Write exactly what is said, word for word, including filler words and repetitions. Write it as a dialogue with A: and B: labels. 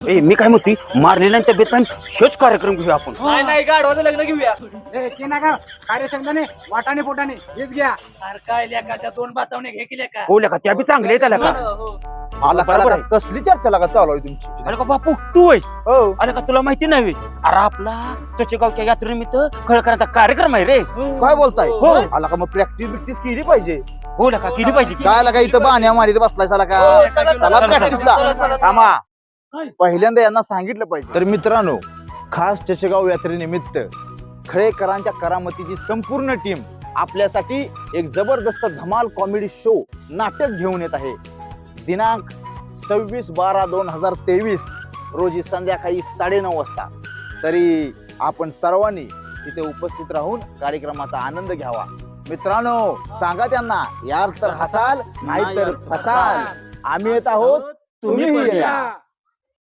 A: ए मी काय म्हणते मारलेल्यांच्या बेतान शोच कार्यक्रम घेऊया आपण.
B: नाही नाही गाढवाचं लग्न घेऊया.
C: ए की ना का कार्यसंघाने वाटाणे पोटाने हेच घ्या.
B: अरे काय लेका त्या दोन बातावणे घे की लेका.
A: हो का त्या बी चांगले आहेत त्याला का.
D: मला
A: बरोबर आहे.
D: कसली चर्चा लागा चालू आहे तुमची?
A: अरे का बापू तू आहे
D: हो
A: अरे का तुला माहिती नाही अरे आपला चचेगावच्या यात्रेनिमित्त खळकरांचा कार्यक्रम आहे रे.
D: काय बोलताय?
A: हो.
D: आला का मग प्रॅक्टिस बिक्टिस केली पाहिजे.
A: हो का केली पाहिजे की.
D: काय लागा इथं बाण्या मारीत बसलाय साला का?
B: हो, चला,
D: चला
B: चला,
D: प्रॅक्टिसला.
B: चला, चला, चला.
D: थांबा.
B: काय?
D: पहिल्यांदा यांना सांगितलं पाहिजे. तर मित्रांनो, खास चषगाव यात्रेनिमित्त खळेकरांच्या करामतीची संपूर्ण टीम आपल्यासाठी एक जबरदस्त धमाल कॉमेडी शो नाटक घेऊन येत आहे. दिनांक सव्वीस बारा दोन हजार तेवीस रोजी संध्याकाळी साडेनऊ वाजता. तरी आपण सर्वांनी तिथे उपस्थित राहून कार्यक्रमाचा आनंद घ्यावा. मित्रांनो सांगा त्यांना, यार तर हसाल नाही तर फसाल. आम्ही येत आहोत, तुम्हीही या.